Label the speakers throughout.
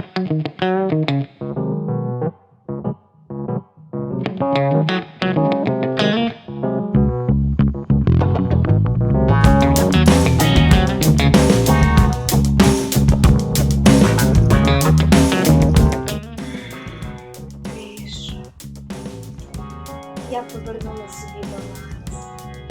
Speaker 1: Я повернула собі баланс.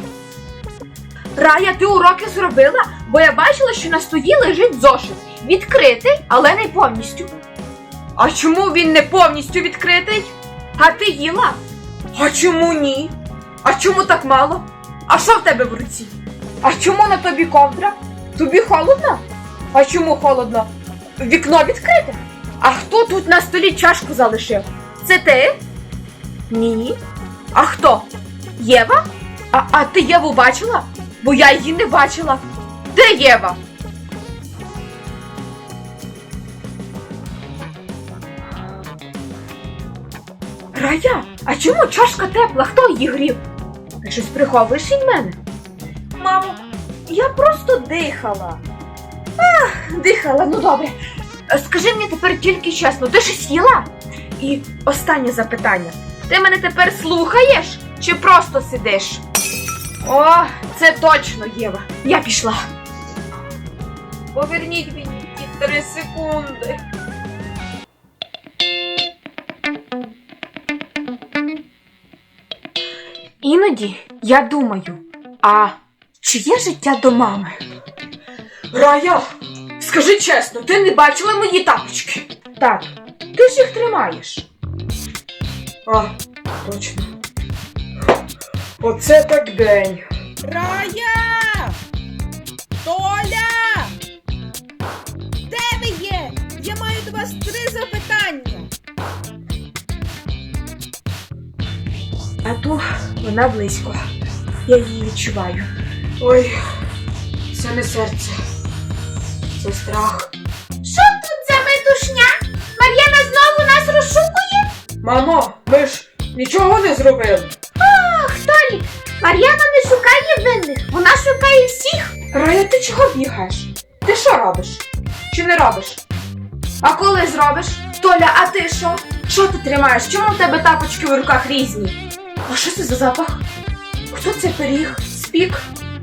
Speaker 2: Рая, ти уроки зробила? Бо я бачила, що на столі лежить зошит. Відкритий, але не повністю. А чому він не повністю відкритий? А ти їла? А чому ні? А чому так мало? А що в тебе в руці? А чому на тобі ковдра? Тобі холодно? А чому холодно? Вікно відкрите? А хто тут на столі чашку залишив? Це ти? Ні. А хто? Єва? А ти Єву бачила? Бо я її не бачила. Де Єва? Рая, а чому чашка тепла? Хто її грів? Ти щось приховуєш від мене? Мамо, я просто дихала. Дихала, ну добре. Скажи мені тепер тільки чесно, ти щось їла? І останнє запитання. Ти мене тепер слухаєш? Чи просто сидиш? О, це точно, Єва. Я пішла. Поверніть мені ті 3 секунди. Іноді я думаю, а чи є життя до мами? Рая, скажи чесно, ти не бачила мої тапочки? Так, ти ж їх тримаєш. А, точно. Оце так день.
Speaker 3: Рая! Толя! Де ви є? Я маю до вас 3 запитання.
Speaker 2: А то вона близько. Я її відчуваю. Ой, це не серце. Це страх.
Speaker 1: Що тут за метушня? Мар'яна знову нас розшукує?
Speaker 2: Мамо, ми ж нічого не зробили.
Speaker 1: Ах, Толік, Мар'яна не шукає винних, вона шукає всіх.
Speaker 2: Рая, ти чого бігаєш? Ти що робиш? Чи не робиш? А коли зробиш? Толя, а ти що? Що ти тримаєш? Чому в тебе тапочки в руках різні? А що це за запах? Хто це пиріг? Спік?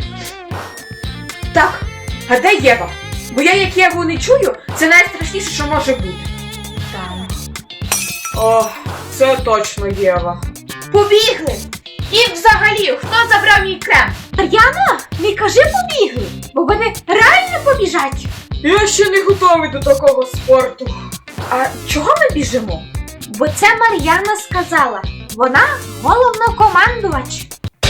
Speaker 2: Так, а де Єва? Бо я як Єву не чую, це найстрашніше, що може бути. Там. О, це точно Єва. Побігли! І взагалі, хто забрав мій крем?
Speaker 1: Мар'яна, не кажи побігли, бо вони реально побіжать.
Speaker 2: Я ще не готовий до такого спорту. А чого ми біжимо?
Speaker 1: Бо це Мар'яна сказала. Вона головнокомандувач.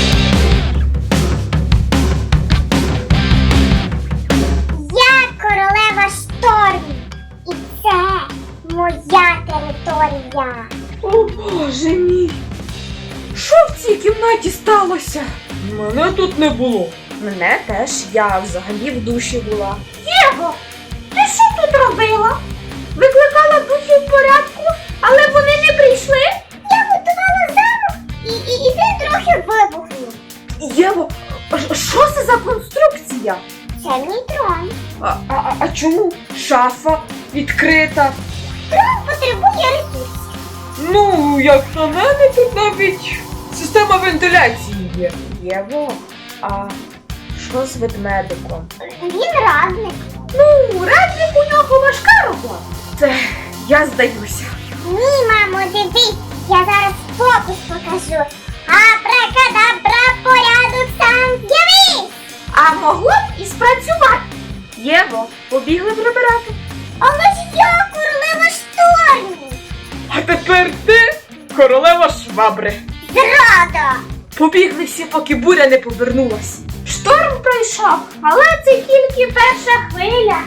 Speaker 4: Я королева штормів. І це моя територія.
Speaker 2: О, Боже мій! Що в цій кімнаті сталося? Мене тут не було. Мене теж. Я взагалі в душі була.
Speaker 1: Єво, ти що тут робила? Викликала духів порядку, але вони не прийшли?
Speaker 4: Я готувала замок і ти трохи вибухнув.
Speaker 2: Єво, що це за конструкція?
Speaker 4: Це мій трон.
Speaker 2: А чому? Шафа відкрита.
Speaker 4: Трон потребує ресурсів.
Speaker 2: Ну, як на мене, тут навіть система вентиляції є. Єво, а що з ведмедиком?
Speaker 4: Він радник.
Speaker 1: Ну, радник у нього важка робота.
Speaker 2: Це я здаюся.
Speaker 4: Ні, мамо, дивись, я зараз фокус покажу. Абракадабра, порядок сам з'явись!
Speaker 1: А могло б і спрацювати.
Speaker 2: Єво, побігли прибирати.
Speaker 4: Але ж я королева штормів.
Speaker 2: А тепер ти королева швабри.
Speaker 4: Зрада!
Speaker 2: Побігли всі, поки буря не повернулась.
Speaker 1: Шторм пройшов, але це тільки перша хвиля.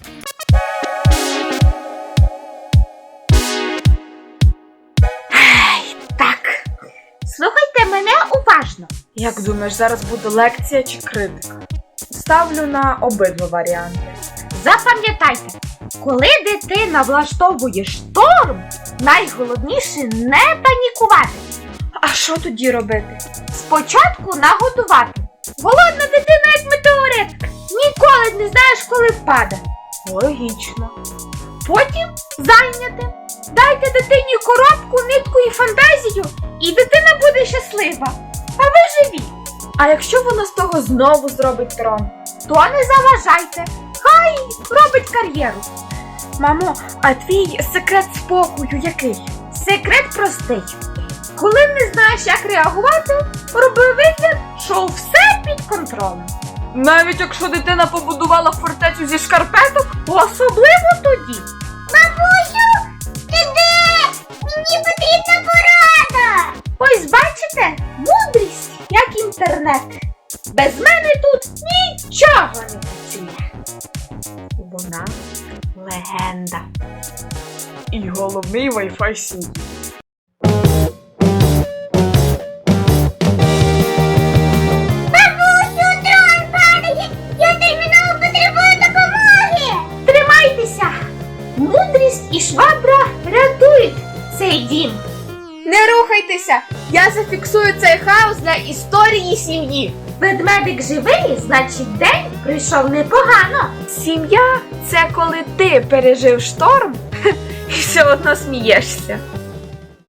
Speaker 2: Так.
Speaker 1: Слухайте мене уважно.
Speaker 2: Як думаєш, зараз буде лекція чи критика? Ставлю на обидва варіанти.
Speaker 1: Запам'ятайте, коли дитина влаштовує шторм, найголовніше не панікувати.
Speaker 2: А що тоді робити?
Speaker 1: Спочатку нагодувати. Голодна дитина, як метеорит. Ніколи не знаєш, коли впаде.
Speaker 2: Логічно.
Speaker 1: потім зайнятим. Дайте дитині коробку, нитку і фантазію, і дитина буде щаслива. А ви живі.
Speaker 2: А якщо вона з того знову зробить трон?
Speaker 1: То не заважайте. Хай робить кар'єру.
Speaker 2: Мамо, а твій секрет спокою який?
Speaker 1: Секрет простий. Коли не знаєш, як реагувати, роби вигляд, що все під контролем.
Speaker 2: Навіть якщо дитина побудувала фортецю зі шкарпеток?
Speaker 1: Особливо тоді.
Speaker 4: Бабусю, ти де? Мені потрібна порада.
Speaker 1: Ось бачите, мудрість, як інтернет. Без мене тут нічого не працює. Вона легенда.
Speaker 2: І головний Wi-Fi сім'ї.
Speaker 4: Бабусю, трон падає. Я терміново потребую допомоги.
Speaker 1: Тримайтеся! Мудрість і швабра рятують цей дім.
Speaker 2: Не рухайтеся! Я зафіксую цей хаос для історії сім'ї.
Speaker 1: Ведмедик живий, значить день прийшов непогано.
Speaker 2: Сім'я – це коли ти пережив шторм і все одно смієшся.